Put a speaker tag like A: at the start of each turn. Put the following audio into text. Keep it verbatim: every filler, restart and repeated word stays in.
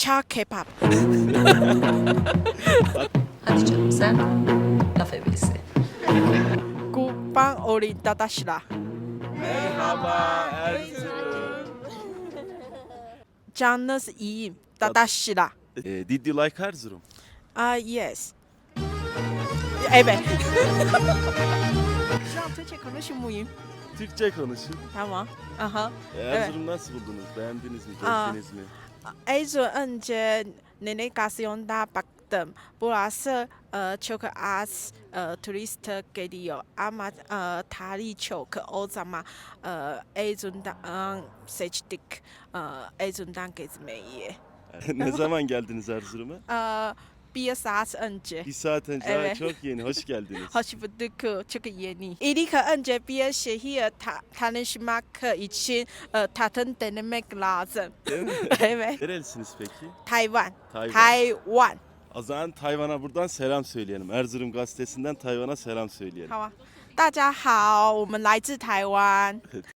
A: Cha K-pop.
B: Hadi canım sen. Laf ebesi.
A: Kurban olayım dadaşlar.
C: Merhaba Erzurum.
A: Canınız iyiyim dadaşlar.
C: Eh, did you like Erzurum?
A: Ah yes. Evet. Şu an Türkçe konuşur muyum?
C: Türkçe konuşun.
A: Tamam. Aha.
C: Eh, Erzurum nasıl buldunuz? Beğendiniz mi?
A: Aa.
C: Gezdiniz mi?
A: Erzurum önce navigasyonda baktım. Burası e, çok az e, turist geliyor ama e, tarihi çok. O zaman e, Erzurum'dan seçtik. E, Erzurum'dan gezmeyi.
C: Ne zaman geldiniz Erzurum'a?
A: E, bir saat önce.
C: Bir saat önce.
A: Evet.
C: Aa, çok yeni. Hoş geldiniz.
A: Hoş bulduk. Çok yeni. İlk önce bir şehir ta- tanışmak için e, tatın denemek lazım.
C: Değil mi?
A: Evet.
C: Nerelisiniz peki?
A: Tayvan.
C: Tayvan.
A: Tayvan.
C: O zaman Tayvan'a buradan selam söyleyelim. Erzurum gazetesinden Tayvan'a selam söyleyelim.
A: 好啊，大家好，我们来自台湾。